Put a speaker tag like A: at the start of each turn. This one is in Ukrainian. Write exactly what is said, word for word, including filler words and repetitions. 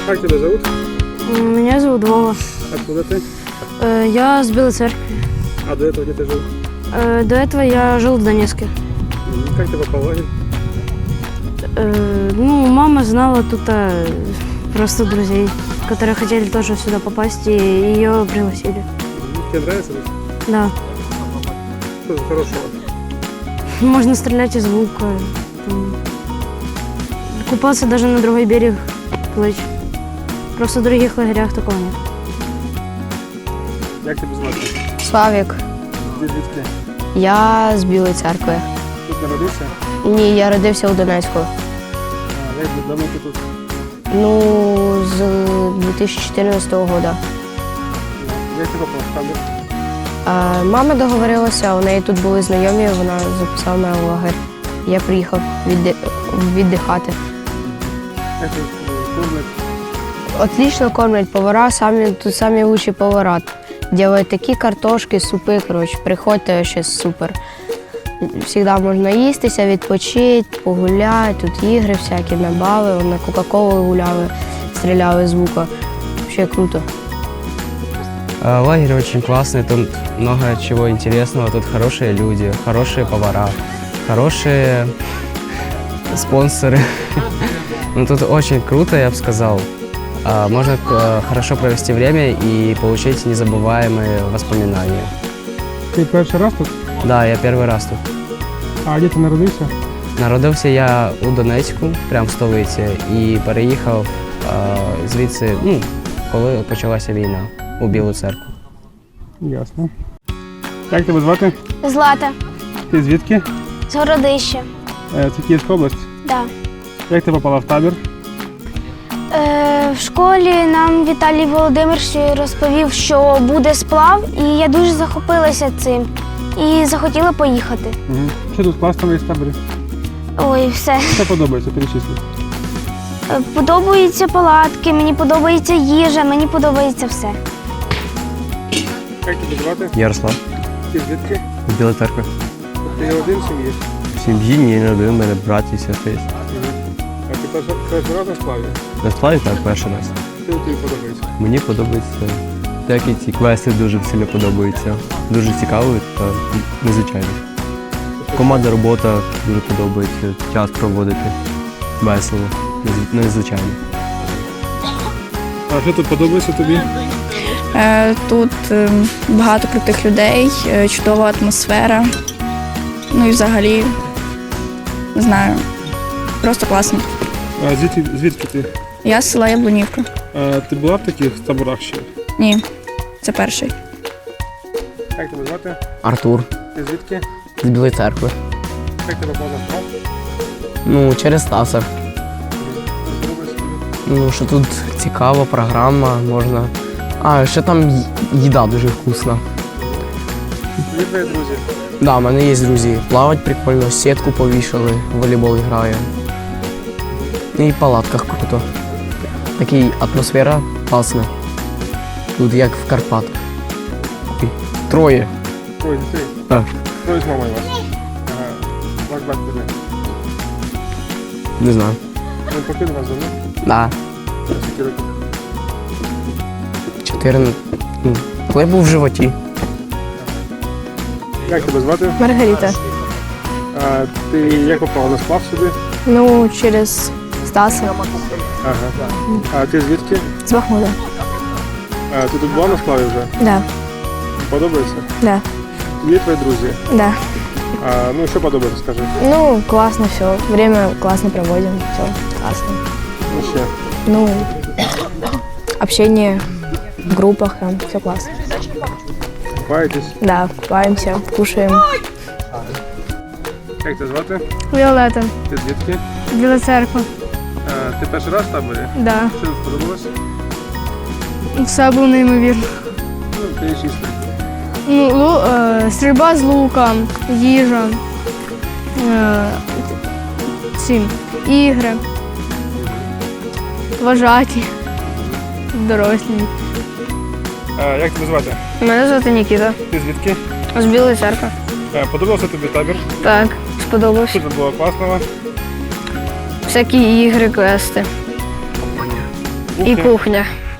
A: Как тебя зовут?
B: Меня зовут Вова.
A: Откуда ты?
B: Э, Я с Белой Церкви.
A: А до этого где ты жил?
B: Э, До этого я жил в Донецке.
A: М, Как ты попал в лагерь?
B: Э, Ну, мама знала тут а, просто друзей, которые хотели тоже сюда попасть, и ее пригласили.
A: М, Тебе нравится тут?
B: Да.
A: Что тут хорошего?
B: Можно стрелять из лука, там, купаться даже на другой берег плыть. Просто в других лагерях такого нет.
A: Як тебе звати?
C: Славік,
A: Ти звідки?
C: я з Білої Церкви.
A: Тут народився?
C: Ні, я родився у Донецьку.
A: А, як давно ти тут?
C: Ну, з дві тисячі чотирнадцятого року.
A: Як ти попав в табір?
C: А, мама договорилася, у неї тут були знайомі, вона записала мене в лагерь. Я приїхав відди... віддихати.
A: Як ти кормлять?
C: Отлично кормлять повара, самі, тут самі лучші повара. Делають такі картошки, супи, коротше, приходьте, ще супер. Всегда можна їстися, відпочити, погуляти, тут ігри всякі, набави, на Кока-Колу гуляли, стріляли з лука. Взагалі круто.
D: Лагерь очень классный, тут много чего интересного, тут хорошие люди, хорошие повара, хорошие спонсоры. Ну, тут очень круто, я бы сказал. А, Можно э, хорошо провести время и получить незабываемые воспоминания.
A: Ти перший раз тут?
D: Да, я первый раз тут.
A: А де ти народився?
D: Народився я у Донецьку, прямо в столиці, і переїхав е, звідси, ну, коли почалася війна, у Білу Церкву.
A: Ясно. Як тебе звати?
E: Злата,
A: Ти звідки?
E: з Городища.
A: Е, Це Київська область.
E: Да.
A: Як ти попала в табір?
E: Е, в школі нам Віталій Володимирович розповів, що буде сплав, і я дуже захопилася цим і захотіла поїхати.
A: Угу. Що тут класного є в таборі?
E: Ой, все.
A: Що подобається, перечисли.
E: Е, Подобаються палатки, мені подобається їжа, мені подобається все.
A: Як тебе звати?
F: Ярослав,
A: Ти звідки?
F: з Білої Церкви.
A: Ти один в сім'ї?
F: В сім'ї ні, не один, у мене брат і сестри є.
A: А ти перший перший раз на сплаві?
F: На сплаві так, перший раз.
A: Що тобі подобається?
F: Мені подобається, деякі ці квести дуже сильно подобаються. Дуже цікаво та незвичайно. Командна робота дуже подобається, час проводити весело, нез- незвичайно.
A: А що тут подобається тобі?
G: Е, Тут е, багато крутих людей, е, чудова атмосфера. Ну і взагалі, не знаю, просто класно.
A: А звідки, звідки ти?
G: Я з села Яблунівка.
A: А, ти була в таких таборах ще?
G: Ні, це перший.
A: Як тебе звати?
H: Артур
A: Ти звідки?
H: з Білої Церкви.
A: Як ти попав на сплав?
H: Ну, через Стаса.
A: Подобається тобі?
H: Ну, що тут цікава програма, можна. А, ще там ї- їда дуже вкусна.
A: Є твої друзі?
H: Да, в мене є друзі. Плавать прикольно, сітку повішали, в волейбол грає. І в палатках круто. Така атмосфера класна. Тут як в Карпатах. Ой, Троє.
A: Троє дітей?
H: Так.
A: Троє з мамою вас? Ага. Ваш брат тебе?
H: Не знаю.
A: Він покинув вас давно?
H: Да.
A: Скільки років?
H: Чотирнадцять. Ну, коли був в животі.
A: Як тебе звати?
B: Маргарита.
A: А, ти як попав на сплав сюди?
B: Ну, через Стаса.
A: Ага. А ти звідки?
B: З Бахмута.
A: А, ти тут була на сплаві вже?
B: Да,
A: Подобається?
B: да,
A: Є твої друзі?
B: да.
A: А, ну що подобається, скажи?
B: Ну, классно все. Время классно проводим. Все классно.
A: Ну ще.
B: Ну, общение в группах, там все классно.
A: Купаєтесь?
B: Да, купаемся, кушаем.
A: Як тебе звати?
B: Віолета,
A: Ти звідки?
B: Біла Церква.
A: А, ти перший раз в таборі?
B: Да.
A: Що тобі сподобалось?
B: Все було неймовірно.
A: Ну, перечисли.
B: Ну, лу, е, стрільба з лука, їжа, е, ці, ігри, вважаті, дорослі.
A: А, як тебе звати?
B: Мене звати Нікіта.
A: Ти звідки?
B: З Білої Церкви.
A: А, подобався тобі табір?
B: Так, сподобався.
A: Що тут було класного?
B: Всякі ігри, квести.
A: Кухня.
C: І кухня.